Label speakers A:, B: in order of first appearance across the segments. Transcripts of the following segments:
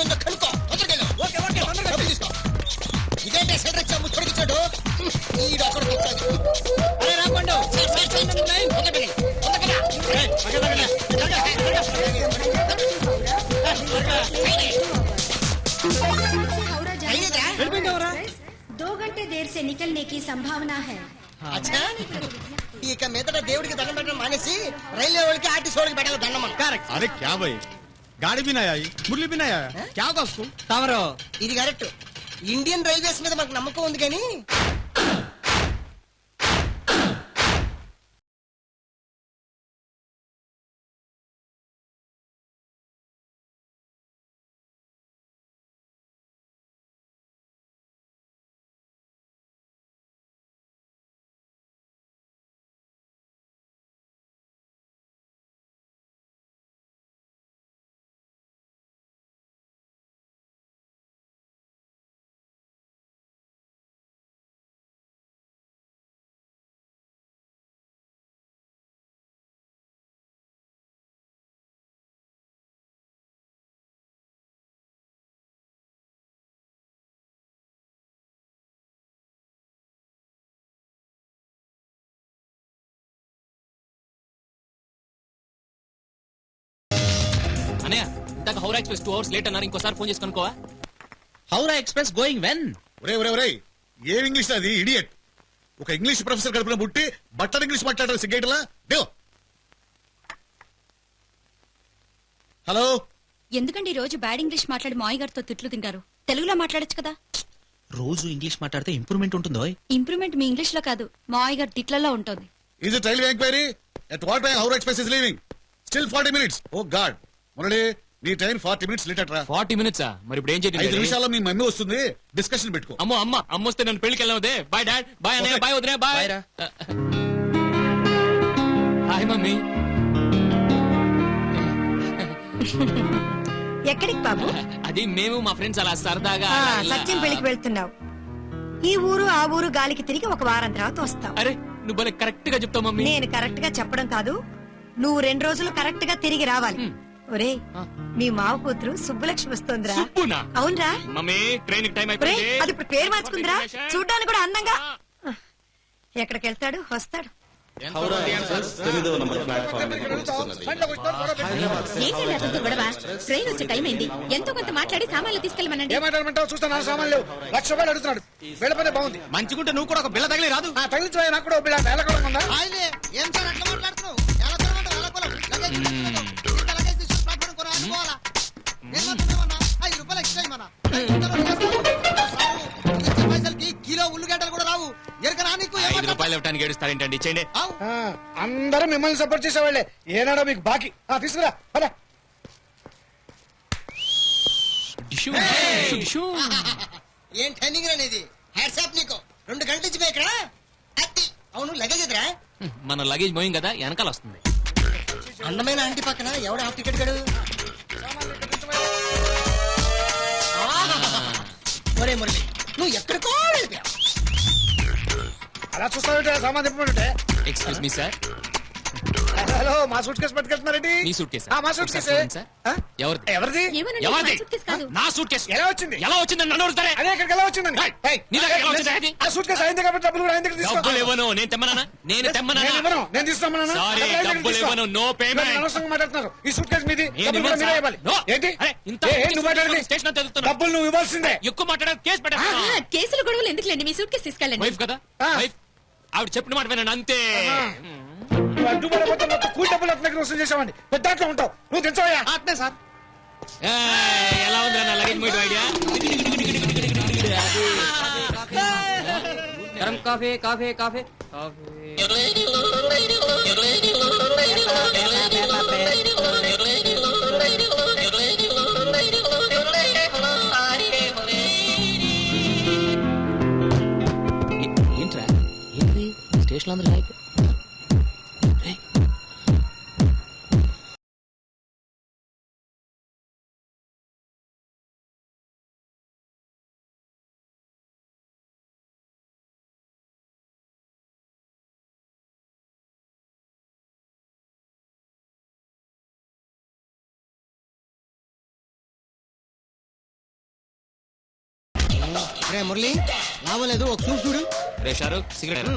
A: ఉందో కనుక్కో. తొందరగా డబ్బులు తీసుకో. ఇదేంటే సెంటర్ ముచ్చడిచ్చాడు ఈ డాక్టర్ రాకుండా
B: दो घंटे देर से निकलने की संभावना है.
A: ఇక మీదట దేవుడికి దండం పెట్టడం మానేసి రైల్వే వాళ్ళకి ఆర్టీసీ వాళ్ళకి పెట్టాలి దండం.
C: అరే క్యా భయ్ గాడి भी नहीं आई मुरली भी नहीं आया क्या होगा उसको
A: తమరు ఇది కరెక్ట్. ఇండియన్ రైల్వేస్ మీద మనకు నమ్మకం ఉంది కానీ
D: హౌరా ఎక్స్ప్రెస్ 2 hours లేట్ అన్నారు. ఇంకోసారి ఫోన్ చేసి కనుకోవా?
E: Howrah express going when?
C: ఏం ఇంగ్లీష్ అది ఇడియట్. ఒక ఇంగ్లీష్ ప్రొఫెసర్ కడుపున పుట్టి బట్టర్ ఇంగ్లీష్ మాట్లాడారు సిగ్గేటలా. హలో,
B: ఎందుకండి రోజు బ్యాడ్ ఇంగ్లీష్ మాట్లాడి మాయ గారితో తిట్లు తింటారు? తెలుగులో మాట్లాడొచ్చు కదా.
E: రోజు ఇంగ్లీష్ మాట్లాడితే ఇంప్రూవ్మెంట్ ఉంటుందో?
B: ఇంప్రూవ్మెంట్ మీ ఇంగ్లీష్ లో కాదు, మాయ గారి తిట్లలో ఉంటుంది.
C: is it railway enquiry? at what time Howrah Express is leaving? still 40 minutes. oh god Murali, నీ ట్రైన్ 40 minutes లేట్ అట్రా.
D: 40 minutes మరి ఇప్పుడు ఏం చేయాలి?
C: 5 నిమిషాల్లో మీ మమ్మీ వస్తుంది, డిస్కషన్ పెట్టుకో.
D: అమ్మ వస్తే నన్ను పెళ్లికి వెళ్ళవదే. బాయ్ డాడ్, బాయ్ అన్నయ్య, బాయ్ వదిలే, బాయ్. Hi mummy.
F: ఎక్కడికి బాబు?
D: అది మేము మా ఫ్రెండ్స్ అలా సరదాగా
F: సత్యం పెళ్లికి వెళ్తున్నావు. ఈ ఊరు ఆ ఊరు గాలికి తిరిగి ఒక వారం తర్వాత వస్తావు.
D: అరే నువ్వు భలే కరెక్ట్ గా చెప్తావు మమ్మీ.
F: నేను కరెక్ట్ గా చెప్పడం కాదు, నువ్వు 2 రోజులు కరెక్ట్ గా తిరిగి రావాలి. ఒరే, మీ మావ కూతురు సుబ్బులక్ష్మి వస్తోందిరా. అవునరా
D: మమ్మీ? ట్రైన్ టైం
F: అది ఇప్పుడు పేరు మార్చుకుందిరా. చూడ్డానికి కూడా అందంగా. ఎక్కడికి వెళ్తాడు, వస్తాడు.
B: ట్రైన్ వచ్చే టైం అయింది. ఎంతో కొంత మాట్లాడి సామాన్లు తీసుకెళ్ళమనండి.
A: ఏమంటారు? చూస్తాను సామాన్లు ₹1,00,000 అడుగుతున్నాడు. వెళ్ళిపోతే బాగుంది.
E: మంచిగుంటే నువ్వు కూడా ఒక బిల్ల తగిలి రాదు.
A: తగిలించు, నాకు కూడా బిల్ల వేలకొలం ఉందా? ఏం సార్ అట్లా మాట్లాడుతున్నావు? కిలో ఉల్లిగడ్డలు కూడా రావు.
D: ₹5 ఇవ్వడానికి ఏడుస్తారేంటండి? చేయండి.
A: అందరూ మిమ్మల్ని సపోర్ట్ చేసేవాళ్లే. ఏనాడో మీకు బాకీ. తీసుకురా. ఏం టైమింగ్ అనేది? హ్యాట్సాప్ నీకు. 2 గంటల నుంచి ఇక్కడ. అవును, లగేజ్ ఎదురా?
D: మన లగేజ్ మోయింగ్ కదా, వెనకాల వస్తుంది.
A: అందమైన ఆంటీ పక్కన ఎవడు హాఫ్ టికెట్ గడు? ఒరే మురళి, నువ్వు ఎక్కడికో వెళ్ళిపోయావు. అలా చూస్తావుంటే సామాన్ తిప్పుకుంటే.
D: Excuse me sir.
A: హలో, మా సూట్ కేసు పట్టుకెళ్తున్నారండి.
D: మీ సూట్ కేసు?
A: మా సూట్ కేసు. ఎవరిది?
D: నా సూట్ కేసు
A: ఎలా వచ్చింది?
D: ఎలా వచ్చిందని నన్ను అడుగుతారే?
A: అదే ఇక్కడికి ఎలా వచ్చిందండి? ఆ సూట్ కేసు అయింది కాబట్టి డబ్బులు కూడా ఆయన దగ్గర తీసుకో.
D: డబ్బులు ఇవ్వను. నేను తెమ్మనా?
A: నేను తీసుకోమన్నా.
D: సారీ, డబ్బులు ఇవ్వను. No payment.
A: అనవసరంగా మాట్లాడుతున్నారు. ఈ సూట్ కేసు మీది. మీరే ఇవ్వాలి. ఏంటి? నువ్వు మాట్లాడింది?
D: స్టేషన్
A: డబ్బులు నువ్వు ఇవ్వాల్సిందే.
D: ఎక్కువ మాట్లాడారు, కేసు పెట్టా.
B: కేసులు గొడవలు ఎందుకులేండి, మీ సూట్ కేసు తీసుకెళ్ళండి.
D: వైఫ్ కదా, వైఫ్. ఆవిడ చెప్పిన మాట వినండి అంతే.
A: అడ్డుపడకపోతే మొత్తం కూలి డబ్బులు అతని దగ్గర వసూలు చేసామండి. పెద్దాట్లో ఉంటావు నువ్వు. తెచ్చవయ్యా? అట్నే సార్.
D: ఎలా ఉంది నా లగేజ్ మోయడం ఐడియా? గరం కాఫీ కాఫీ కాఫీ ఏంట్రా? ఏంటి స్టేషన్ అందరూ
A: రే మురళి లాభం లేదు ఒక చూపు చూడు.
D: రే షారుఖ్ సిగరెట్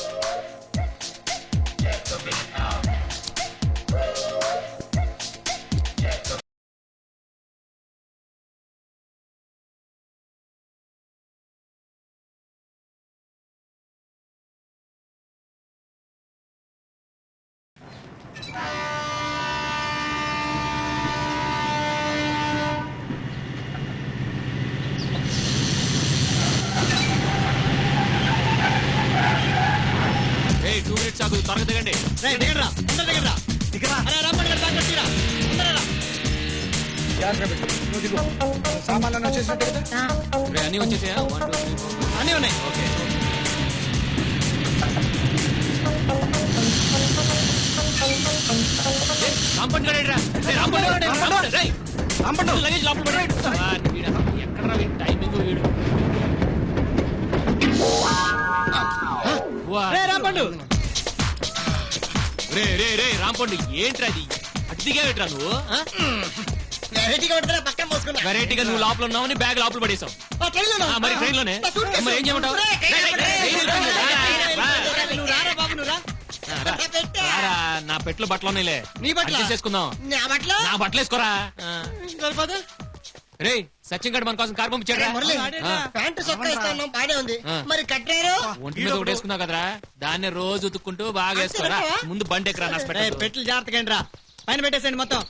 D: ఏ 2 మినిట్స్ ఆగు త్వరగా దిగండి.
A: రే దిగరా అందరూ దిగరా దిగరా. అరే రమ్మని గారు దాకా తీరా అందరూ
C: సామాన్లు వచ్చేసినట్టు కదా
D: రే అన్ని వచ్చేసాయా 1 2 3 4
A: అన్నీ ఉన్నాయి.
D: ఓకే రాంపండు గడేడ్రా రే రాంపండు రే రాంపండు లగేజ్ లోపల పడేయ్. ఎక్కడరా వీడి టైమింగ్ వీడు.
A: రే రాంపండు
D: రే రే రే రాంపండు ఏంట్రా అది అటు దిగావేట్రా నువ్వు
A: వెరైటీగా పడుతున్నా పక్కన పోసుకున్నా.
D: వెరైటీగా నువ్వు లోపల ఉన్నావని బ్యాగ్ లోపల పడేసావు. మరి ట్రైన్ లోనే మరి ఏం చేయమంటావు?
A: నువ్వు రారా బాబు నువ్వు రా.
D: రారా, నా పెట్లు బట్టలు ఉన్నాయిలే
A: నీ బట్టలా?
D: చేసుకుందాం.
A: నా బట్టలు
D: నా బట్టలు వేసుకోరా.
A: సరిపోదు.
D: రే సచిన్ గడ్ మన కోసం కార్ పంపించాడు.
A: రే మురళి ప్యాంటు చొక్కా ఇస్తా ఉన్నాం బానే ఉంది. మరి కట్టారు
D: ఒంటి మీద ఒకటి వేసుకున్నావు కదరా, దాన్ని రోజు ఉతుక్కుంటూ బాగా వేసుకోరా. ముందు బండి ఎక్కరా నష్టపెట్టు.
A: పెట్లు జాగ్రత్తగా రా. పైన పెట్టేసండి మొత్తం.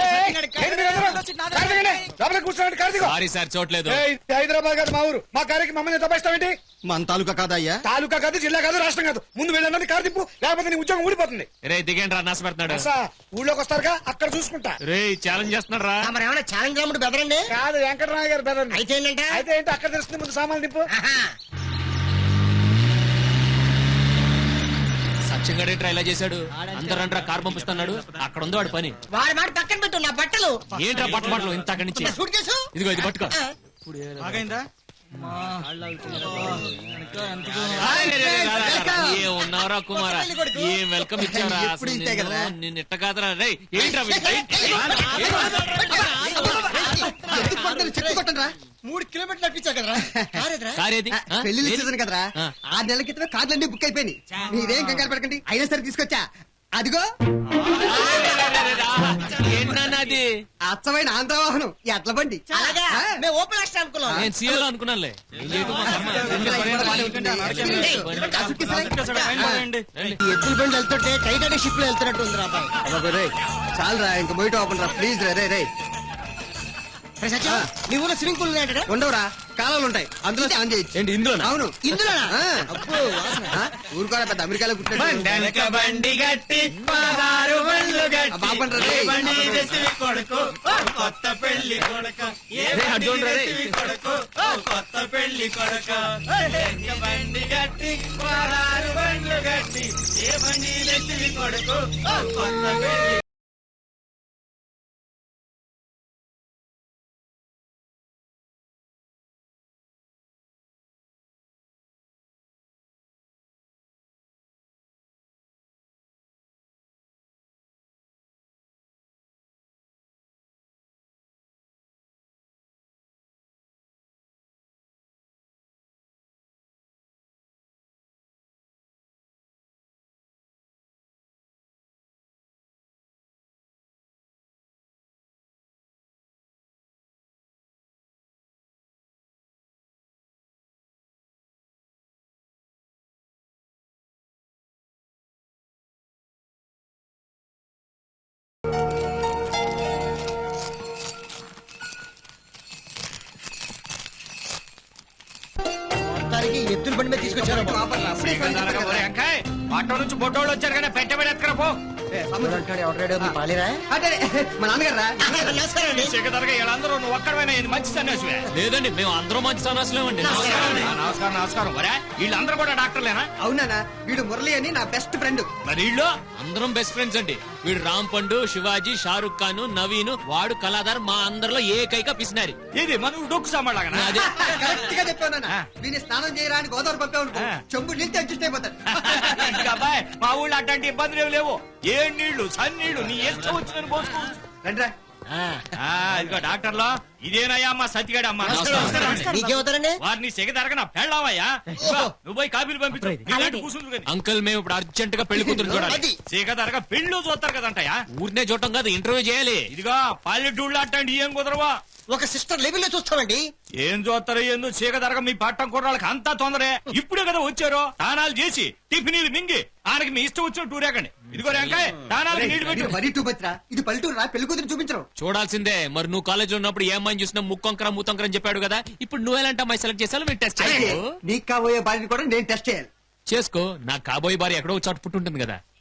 D: సారీ సార్ చూడలేదు.
C: హైదరాబాద్ కాదు మా ఊరు. మా కార్యకి మమ్మల్ని తప్పిస్తావేంటి?
A: మన తాలూకా కాదయ్యా.
C: తాలూకా కాదు, జిల్లా కాదు, రాష్ట్రం కాదు. ముందు వెళ్ళండి, కారు తిప్పు, లేకపోతే నీ ఉద్యోగం ఊడిపోతుంది.
D: రే దిగండి రా, నష్టపెడుతున్నాడు.
C: ఊళ్ళోకి వస్తారుగా, అక్కడ చూసుకుంటా.
D: రే ఛాలెంజ్ చేస్తున్నాడు రా.
A: మరి ఏమైనా ఛాలెంజ్ రాముడు బెదరండి.
C: కాదు, వెంకటరాయ గారు బెదరండి.
A: అయితే ఏంటంటే
C: అయితే ఏంటి, అక్కడ తెలుస్తుంది. ముందు సామాన్లు తిప్పు.
D: సచిన్ గడ్ ఏంట్రా ఇలా చేశాడు? అందరంట్రా కార్ పంపిస్తున్నాడు. అక్కడ ఉంది వాడి పని.
A: వాడి మాట పక్కన పెట్టు. నా బట్టలు
D: ఏంట్రా బట్టలు ఇంత అక్కడి నుంచి?
A: సూట్ కేసు
D: ఇదిగో ఇది పట్టుకో. ఏ ఉన్నారా కుమారా, ఏం వెల్కమ్ ఇచ్చారా?
A: ఎప్పుడు ఇంతే కదరా?
D: నిన్న ఇట్ట కాదరా. రే ఏంట్రా
A: చెట్టు కొట్టండిరా. 3 కిలోమీటర్లు అప్పించా కదరా. కారేదిరా?
D: కారేది
A: పెళ్లి సీజన్ కదరా. 6 నెలల క్రితమే కార్లన్నీ బుక్ అయిపోయినాయి. మీరేం కంగారు పడకండి. అయినా సరే తీసుకొచ్చా. అదిగో
D: ఏంటన్నది?
A: అచ్చమైన ఆంధ్ర వాహనం ఎట్ల బండి. మేము ఓపెన్ యాక్షన్ అనుకున్నాం.
D: నేను సీఎల్ అనుకున్నానులే. ఏం చేయటం మా కర్మ.
A: ఎద్దుల బండి వెళ్తుంటే టైటానిక్ షిప్ లో వెళ్తున్నట్టు ఉంది రా అబ్బాయి. చాలరా ఇంకా బయట ఓపెన్ రా ప్లీజ్. రే రే నీ ఊళ్ళో స్విమ్మింగ్ పూల్ ఉండవురా, కాలాలు ఉంటాయి. అందులో ఆన్ చేయొచ్చు.
D: ఏంటి ఇందులో?
A: అవును ఇందులో. ఊరు కూడా పెద్ద అమెరికాలో పుట్టాడు. ఎత్తుల బండి మీద తీసుకొచ్చారు.
D: ఆటో నుంచి బొట్టోళ్ళు వచ్చారు కానీ పెట్టబడి ఎత్తుకరా పో.
A: మా నాన్నగారా
D: మంచి సన్యాసివే. లేదండి మేము అందరూ మంచి సన్యాసులేమండి. నమస్కారం నమస్కారం. వీళ్ళందరూ కూడా డాక్టర్లేనా?
A: అవునా, వీడు మురళి అని నా బెస్ట్ ఫ్రెండ్.
D: మరి వీళ్ళు అందరం బెస్ట్ ఫ్రెండ్స్ అండి. వీడు రామ్ పండు, శివాజీ, షారుఖ్ ఖాన్, నవీన్, వాడు కళాధార్, మా అందరిలో ఏకైక పిసినారి. ఇది మనం డొక్కు సామాన్ అదే
A: కరెక్ట్ గా చెప్పాను. వీని స్నానం చేయరా అని గోదావరి పంపావు, చెంబు నీళ్ళు అడ్జస్ట్ అయిపోతాడు.
D: అబ్బాయి మా ఊళ్ళో అట్లాంటి ఇబ్బందులు ఏమి లేవు. ఏ నీళ్లు సన్నీళ్లు నీ ఇష్టం వచ్చిన పోసుకోవచ్చు.
A: రండిరా
G: ఇదిగో డాక్టర్లో ఇదేనయ్యా అమ్మా సత్తిగాడు అమ్మా
A: మీకేమవుతారండి
G: వారిని సెగ తరగన పెళ్ళావయ్యా నువ్వు పోయి కాపీలు పంపించు నీలాంటి కూసుండ్రు గాని.
D: అంకుల్ మేము ఇప్పుడు అర్జెంట్ గా పెళ్లి కూతురు చూడాలి
A: అది
G: సెగ తరగ పెళ్ళు చూస్తారు కదంటయ్యా.
D: ఊరినే చూడటం కాదు ఇంటర్వ్యూ చేయాలి.
G: ఇదిగో పల్లెటూళ్ళు అట్టండి ఏం కుదరవా.
A: ఒక సిస్టర్ లెవెల్లో చూస్తామండి.
G: ఏం చూస్తారో ఏందో చీక తరగ మీ పట్టం కుర్రాళ్ళకి అంతా తొందరే. ఇప్పుడే కదా వచ్చారో తానాలు చేసి టిఫినీలు మింగి ఆయనకి మీ ఇష్టం వచ్చిన టూరేకండి. ఇదిగో రేంకాయ తానాలకి నీళ్లు పెట్టు.
A: మరీ టూ బత్రా ఇది పల్లెటూరు రా పెళ్లి కూతురు చూపించరు.
D: చూడాల్సిందే. మరి నువ్వు కాలేజ్ లో ఉన్నప్పుడు ఏ అమ్మాయిని చూసినా ముక్కొంకర మూతొంకర అని చెప్పాడు కదా. ఇప్పుడు నువ్వు ఎలాంటి అమ్మాయి సెలెక్ట్ చేసాలో మేము టెస్ట్ చేయాలి.
A: నీకు కాబోయే భార్యని కూడా నేను టెస్ట్ చేయాలి.
D: చేసుకో. నా కాబోయే భార్య ఎక్కడో చోట పుట్టుంటుంది కదా.